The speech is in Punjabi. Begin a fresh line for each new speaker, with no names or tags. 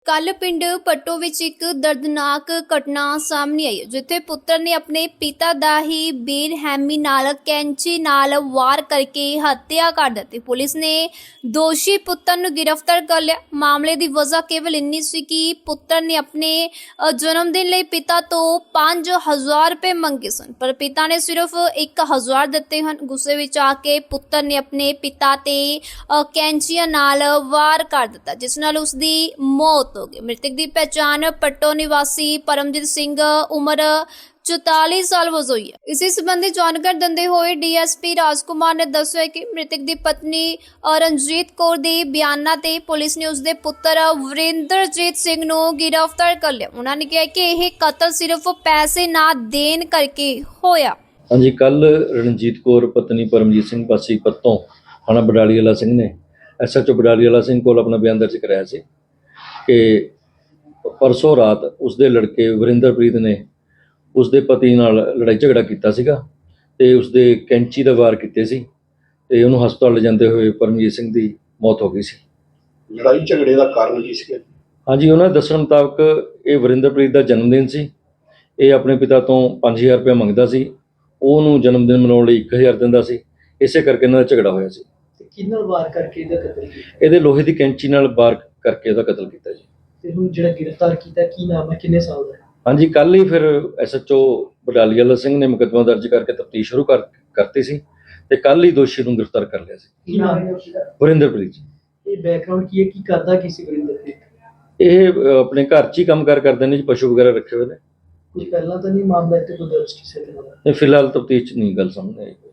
ਕੱਲ ਪਿੰਡ ਪੱਟੋ ਵਿੱਚ ਇੱਕ ਦਰਦਨਾਕ ਘਟਨਾ ਸਾਹਮਣੇ ਆਈ ਹੈ, ਜਿੱਥੇ ਪੁੱਤਰ ਨੇ ਆਪਣੇ ਪਿਤਾ ਦਾ ਹੀ ਬੇਰਹਿਮੀ ਨਾਲ ਕੈਂਚੀ ਨਾਲ ਵਾਰ ਕਰਕੇ ਹੱਤਿਆ ਕਰ ਦਿੱਤੀ। ਪੁਲਿਸ ਨੇ ਦੋਸ਼ੀ ਪੁੱਤਰ ਨੂੰ ਗ੍ਰਿਫਤਾਰ ਕਰ ਲਿਆ। ਮਾਮਲੇ ਦੀ ਵਜ੍ਹਾ ਕੇਵਲ ਇੰਨੀ ਸੀ ਕਿ ਪੁੱਤਰ ਨੇ ਆਪਣੇ ਜਨਮ ਦਿਨ ਲਈ ਪਿਤਾ ਤੋਂ 5000 ਰੁਪਏ ਮੰਗੇ ਸਨ, ਪਰ ਪਿਤਾ ਨੇ ਸਿਰਫ 1000 ਦਿੱਤੇ ਹਨ। ਗੁੱਸੇ ਵਿੱਚ ਆ ਕੇ ਪੁੱਤਰ ਨੇ ਆਪਣੇ ਪਿਤਾ ਤੇ ਕੈਂਚੀਆਂ ਨਾਲ ਵਾਰ ਕਰ ਦਿੱਤਾ, ਜਿਸ ਨਾਲ ਉਸ ਦੀ ਮੌਤ ਹੋ गई। मृतक की पहचान पट्टो निवासी परमजीत सिंह उम्र 44 साल वजों हुई है। इसी संबंधी जानकारी दिंदे हुए डीएसपी राजकुमार ने दस्सिया कि मृतक की पत्नी रणजीत कौर के बयानों ते पुलिस ने उसके पुत्र वरिंदरजीत सिंह नूं गिरफ्तार कर लिया। उन्होंने कहा कि यह कतल सिर्फ पैसे ना देन करके होया।
हाँ जी, कल रणजीत कौर पत्नी परमजीत सिंह वासी पत्तों थाना बडाली वाला सिंह ने SHO बडाली वाला सिंह को अपना बयान दर्ज कराया ਸੀ कि परसों रात उसके लड़के वरिंदरप्रीत ने उसके पति नाल लड़ाई झगड़ा किया सीगा ते उसदे कैंची दा वार कीते सी ते उहनूं हस्पताल ले जांदे होए परमजीत सिंह दी मौत हो गई सी।
लड़ाई झगड़े का कारण की सी?
हाँ जी, उन्होंने दस्सण मुताबक ये वरिंदरप्रीत का जन्मदिन सी। ये अपने पिता तो 5000 रुपया मंगदा सी, ਉਹਨੂੰ जन्मदिन मनाउण लई 1000 दिंदा सी। इसे करके इन्हां दा झगड़ा होया सी।
किन्नल वार करके ਇਹਦਾ ਕਤਲ ਕੀਤਾ?
ਇਹਦੇ ਲੋਹੇ ਦੀ ਕੈਂਚੀ ਨਾਲ ਵਾਰ ਕਰਕੇ ਇਹਦਾ ਕਤਲ ਕੀਤਾ ਜੀ।
ਤੇ ਹੁਣ ਜਿਹੜਾ ਗ੍ਰਿਫਤਾਰ ਕੀਤਾ ਕੀ ਨਾਮ ਹੈ, ਕਿੰਨੇ ਸਾਲ ਦਾ ਹੈ?
ਹਾਂਜੀ, ਕੱਲ ਹੀ ਫਿਰ SHO ਬਡਾਲੀ ਵਾਲਾ ਸਿੰਘ ਨੇ ਮੁਕੱਦਮਾ ਦਰਜ ਕਰਕੇ ਤਫਤੀਸ਼ ਸ਼ੁਰੂ ਕਰਤੀ ਸੀ ਤੇ ਕੱਲ ਹੀ ਦੋਸ਼ੀ ਨੂੰ ਗ੍ਰਿਫਤਾਰ ਕਰ ਲਿਆ ਸੀ।
ਕੀ ਨਾਮ ਹੈ ਉਸਦਾ?
ਵਰਿੰਦਰਪ੍ਰੀਤ ਜੀ।
ਇਹ ਬੈਕਗ੍ਰਾਉਂਡ ਕੀ ਹੈ, ਕੀ ਕਰਦਾ ਕੀ ਸੀ ਵਰਿੰਦਰ?
ਇਹ ਆਪਣੇ ਘਰ 'ਚ ਹੀ ਕੰਮ ਕਰਦੇ ਨੇ ਜੀ, ਪਸ਼ੂ ਵਗੈਰਾ ਰੱਖੇ ਹੋਏ ਨੇ।
ਕੁਝ ਪਹਿਲਾਂ ਤਾਂ ਨਹੀਂ ਮਾਮਲਾ ਇੱਥੇ ਕੋਈ ਦਰਜ ਕਿਸੇ ਦੇ ਨਾਲ?
ਇਹ ਫਿਲਹਾਲ ਤਫਤੀਸ਼ 'ਚ ਨਹੀਂ ਗੱਲ ਸਾਹਮਣੇ ਆਈ।